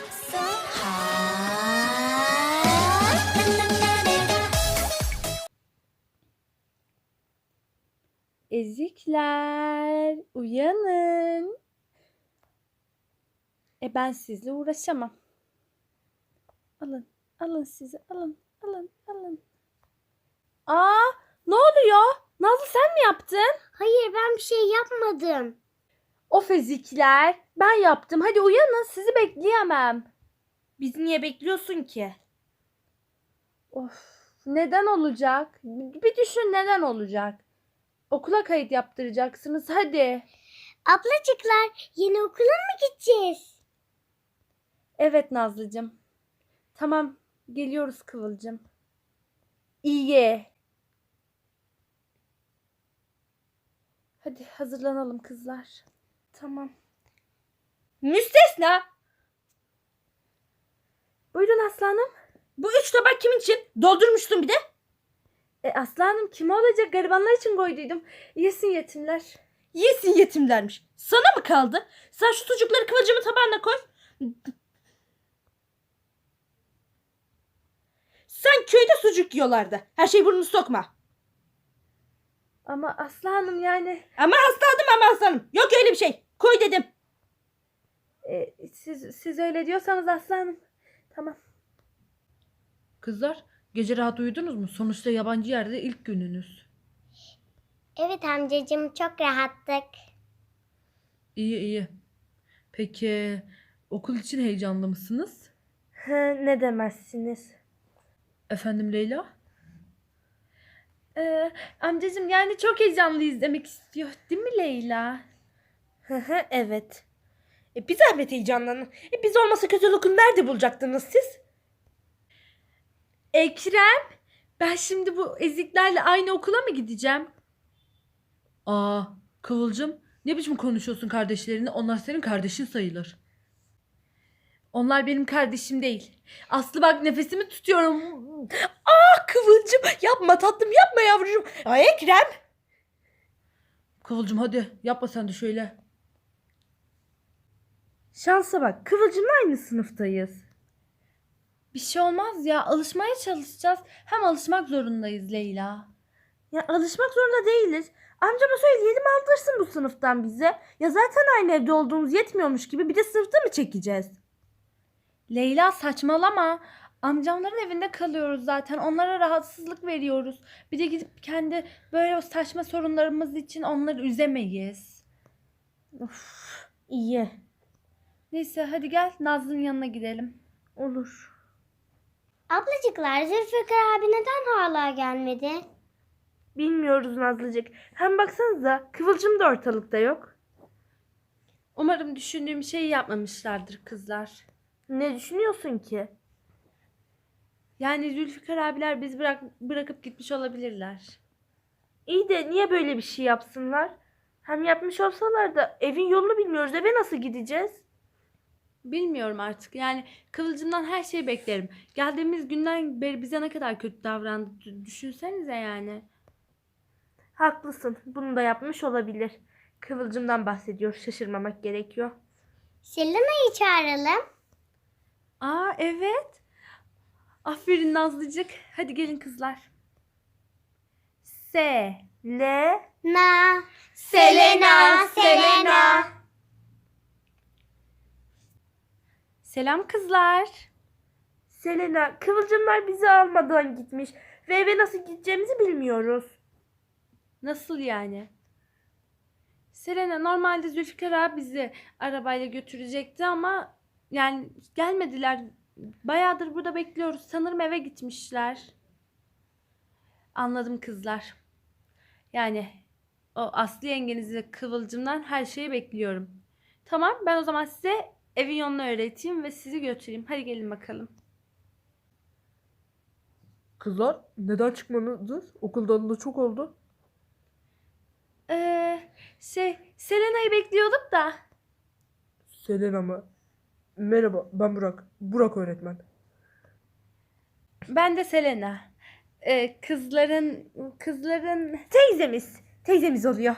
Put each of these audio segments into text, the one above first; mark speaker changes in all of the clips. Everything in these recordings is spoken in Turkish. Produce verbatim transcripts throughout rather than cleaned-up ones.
Speaker 1: so hot.
Speaker 2: Ezikler, uyanın. E ben sizle uğraşamam. Alın, alın sizi, alın, alın, alın. Aa, ne oluyor? Nazlı sen mi yaptın?
Speaker 3: Hayır, ben bir şey yapmadım.
Speaker 2: Of ezikler, ben yaptım. Hadi uyanın, sizi bekleyemem.
Speaker 1: Bizi niye bekliyorsun ki?
Speaker 2: Of, neden olacak? Bir düşün neden olacak? Okula kayıt yaptıracaksınız, hadi.
Speaker 3: Ablacıklar, yeni okula mı gideceğiz?
Speaker 2: Evet Nazlıcığım. Tamam, geliyoruz Kıvılcım. İyi. Hadi hazırlanalım kızlar. Tamam.
Speaker 1: Müstesna.
Speaker 2: Buyurun aslanım.
Speaker 1: Bu üç tabak kimin için? Doldurmuştun bir de.
Speaker 2: E aslanım kim olacak? Garibanlar için koyduydum. Yesin yetimler.
Speaker 1: Yesin yetimlermiş. Sana mı kaldı? Sen şu sucukları Kıvılcım'ın tabağına koy. Sen köyde sucuk yiyorlardı. Her şey burnunu sokma.
Speaker 2: Ama aslanım yani
Speaker 1: Ama hastadım ama aslanım. Yok öyle bir şey. Koy dedim.
Speaker 2: e, siz siz öyle diyorsanız aslanım. Tamam.
Speaker 4: Kızlar, gece rahat uyudunuz mu? Sonuçta yabancı yerde ilk gününüz.
Speaker 3: Evet amcacığım, çok rahattık.
Speaker 4: İyi iyi. Peki okul için heyecanlı mısınız?
Speaker 2: He, ne demezsiniz?
Speaker 4: Efendim Leyla?
Speaker 2: Ee, amcacığım yani çok heyecanlıyız demek istiyor değil mi Leyla?
Speaker 1: Evet. E, bir zahmet heyecanlanın. E, biz olmasa kötü lokum nerede bulacaktınız siz?
Speaker 2: Ekrem, ben şimdi bu eziklerle aynı okula mı gideceğim?
Speaker 4: Aa, Kıvılcım, ne biçim konuşuyorsun kardeşlerini? Onlar senin kardeşin sayılır.
Speaker 2: Onlar benim kardeşim değil. Aslı bak nefesimi tutuyorum.
Speaker 1: Ah Kıvılcım yapma tatlım yapma yavrucuğum. Ay Ekrem.
Speaker 4: Kıvılcım hadi yapma sen de şöyle.
Speaker 2: Şansa bak, Kıvılcım'la aynı sınıftayız. Bir şey olmaz ya, alışmaya çalışacağız. Hem alışmak zorundayız Leyla. Ya alışmak zorunda değiliz. Amcama söyleyelim aldırsın bu sınıftan bize. Ya zaten aynı evde olduğumuz yetmiyormuş gibi bir de sınıfta mı çekeceğiz? Leyla saçmalama. Amcamların evinde kalıyoruz zaten. Onlara rahatsızlık veriyoruz. Bir de gidip kendi böyle saçma sorunlarımız için onları üzemeyiz. Of, iyi. Neyse hadi gel Nazlı'nın yanına gidelim. Olur.
Speaker 3: Ablacıklar, Zülfikar abi neden hala gelmedi?
Speaker 2: Bilmiyoruz Nazlıcık. Hem baksanıza Kıvılcım da ortalıkta yok. Umarım düşündüğüm şeyi yapmamışlardır kızlar. Ne düşünüyorsun ki? Yani Zülfikar abiler biz bırak bırakıp gitmiş olabilirler. İyi de niye böyle bir şey yapsınlar? Hem yapmış olsalar da evin yolunu bilmiyoruz. Eve nasıl gideceğiz? Bilmiyorum artık. Yani Kıvılcım'dan her şeyi beklerim. Geldiğimiz günden beri bize ne kadar kötü davrandı. D- Düşünsenize yani. Haklısın. Bunu da yapmış olabilir. Kıvılcım'dan bahsediyor. Şaşırmamak gerekiyor.
Speaker 3: Selena'yı çağıralım.
Speaker 2: Aa evet. Aferin Nazlıcık. Hadi gelin kızlar. Se, le,
Speaker 3: Na.
Speaker 2: Selena, Selena. Selam kızlar. Selena, Kıvılcımlar bizi almadan gitmiş ve eve nasıl gideceğimizi bilmiyoruz. Nasıl yani? Selena normalde Zülfikar abi bizi arabayla götürecekti ama yani gelmediler. Bayağıdır burada bekliyoruz. Sanırım eve gitmişler. Anladım kızlar. Yani o Aslı yengenizi ve Kıvılcım'dan her şeyi bekliyorum. Tamam ben o zaman size evin yolunu öğreteyim ve sizi götüreyim. Hadi gelin bakalım.
Speaker 4: Kızlar, neden çıkmadınız? Okul dalalı çok oldu.
Speaker 2: Ee, şey Selena'yı bekliyorduk da.
Speaker 4: Selena mı? Merhaba, ben Burak. Burak öğretmen.
Speaker 2: Ben de Selena. Ee, kızların kızların teyzemiz. Teyzemiz oluyor.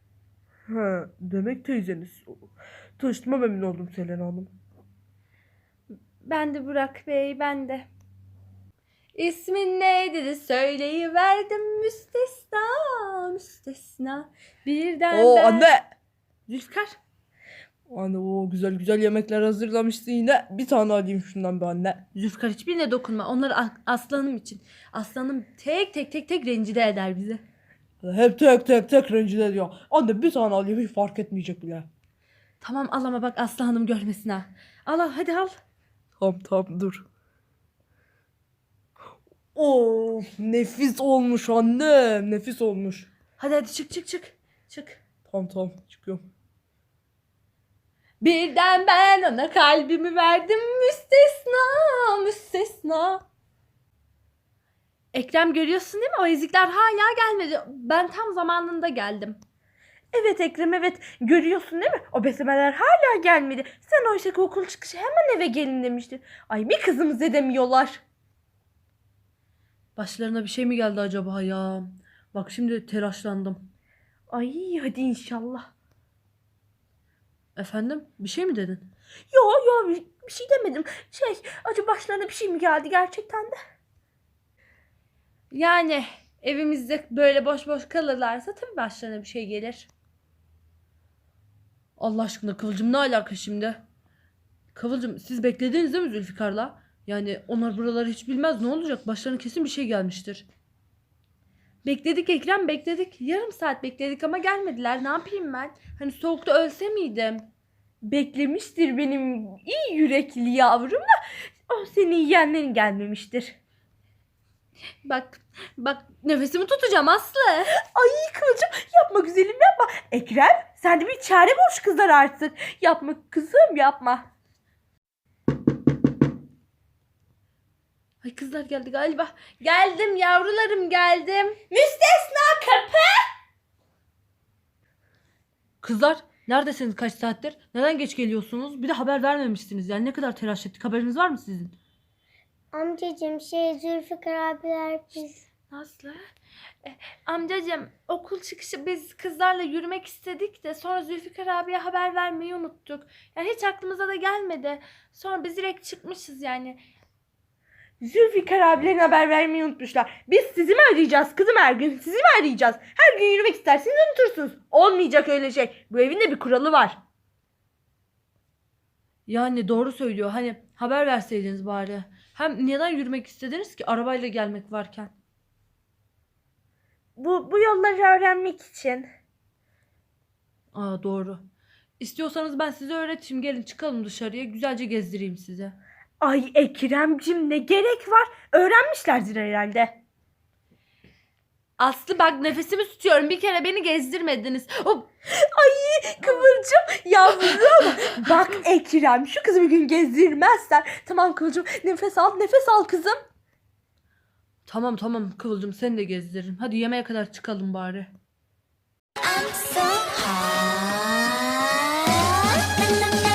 Speaker 4: Ha, demek teyzeniz. Tanıştığıma memnun oldum Selena Hanım.
Speaker 2: Ben de Burak Bey, ben de. İsmin neydi söyleyiverdim müstesna, müstesna. Birden
Speaker 1: Oo
Speaker 2: ben...
Speaker 1: anne.
Speaker 2: Zülfikar.
Speaker 1: Anne o güzel güzel yemekler hazırlamışsın yine. Bir tane alayım şundan bir anne.
Speaker 2: Zülfikar hiçbirine dokunma. Onları a- aslanım için. Aslanım tek tek tek tek rencide eder bizi.
Speaker 1: Hep tek tek tek rencide ediyor. Anne bir tane alayım hiç fark etmeyecek bile.
Speaker 2: Tamam al ama bak Aslı Hanım görmesin ha. Al al hadi al.
Speaker 1: Tamam tamam dur. Of nefis olmuş anne. Nefis olmuş.
Speaker 2: Hadi hadi çık çık çık. Çık.
Speaker 1: Tamam tamam çıkıyorum.
Speaker 2: Birden ben ona kalbimi verdim müstesna, müstesna. Ekrem görüyorsun değil mi? O ezikler hala gelmedi. Ben tam zamanında geldim.
Speaker 1: Evet Ekrem evet görüyorsun değil mi? O beslemeler hala gelmedi. Sen oysa ki okul çıkışı hemen eve gelin demiştin. Ay bir kızımız edemiyorlar.
Speaker 4: Başlarına bir şey mi geldi acaba ya? Bak şimdi telaşlandım.
Speaker 1: Ay hadi inşallah.
Speaker 4: Efendim? Bir şey mi dedin?
Speaker 1: Yo yo bir, bir şey demedim. Şey acaba başlarına bir şey mi geldi gerçekten de?
Speaker 2: Yani evimizde böyle boş boş kalırlarsa tabii başlarına bir şey gelir.
Speaker 4: Allah aşkına Kıvılcım ne alaka şimdi? Kıvılcım siz beklediniz değil mi Zülfikar'la? Yani onlar buraları hiç bilmez, ne olacak? Başlarına kesin bir şey gelmiştir.
Speaker 2: Bekledik Ekrem bekledik. Yarım saat bekledik ama gelmediler. Ne yapayım ben? Hani soğukta ölse miydim?
Speaker 1: Beklemiştir benim iyi yürekli yavrum da o seni yiyenlerin gelmemiştir.
Speaker 2: Bak bak nefesimi tutacağım Aslı.
Speaker 1: Ay Kıvılcım yapma güzelim yapma. Ekrem sen de bir çare boş kızlar artık. Yapma kızım yapma.
Speaker 2: Ay kızlar geldi galiba. Geldim yavrularım geldim.
Speaker 1: Müstesna kapı.
Speaker 4: Kızlar neredesiniz kaç saattir? Neden geç geliyorsunuz? Bir de haber vermemişsiniz. Yani ne kadar telaş ettik. Haberiniz var mı sizin?
Speaker 3: Amcacığım şey Zülfikar abiler biz.
Speaker 2: Nazlı. E, amcacığım okul çıkışı biz kızlarla yürümek istedik de sonra Zülfikar abiye haber vermeyi unuttuk. Yani hiç aklımıza da gelmedi. Sonra biz direkt çıkmışız yani.
Speaker 1: Zülfikar abilerin haber vermeyi unutmuşlar. Biz sizi mi arayacağız kızım her gün? Sizi mi arayacağız? Her gün yürümek isterseniz unutursunuz. Olmayacak öyle şey. Bu evin de bir kuralı var.
Speaker 4: Yani doğru söylüyor. Hani haber verseydiniz bari. Hem neden yürümek istediniz ki arabayla gelmek varken?
Speaker 1: Bu, bu yolları öğrenmek için.
Speaker 4: Aa doğru. İstiyorsanız ben size öğreteyim. Gelin çıkalım dışarıya. Güzelce gezdireyim size.
Speaker 1: Ay Ekrem'cim ne gerek var? Öğrenmişlerdir herhalde.
Speaker 2: Aslı bak nefesimi tutuyorum. Bir kere beni gezdirmediniz. Hop.
Speaker 1: Ay Kıvılcım yavrum. Bak Ekrem şu kızı bir gün gezdirmezsen. Tamam Kıvılcım nefes al nefes al kızım.
Speaker 4: Tamam tamam Kıvılcım seni de gezdiririm. Hadi yemeğe kadar çıkalım bari.
Speaker 3: I'm so hot.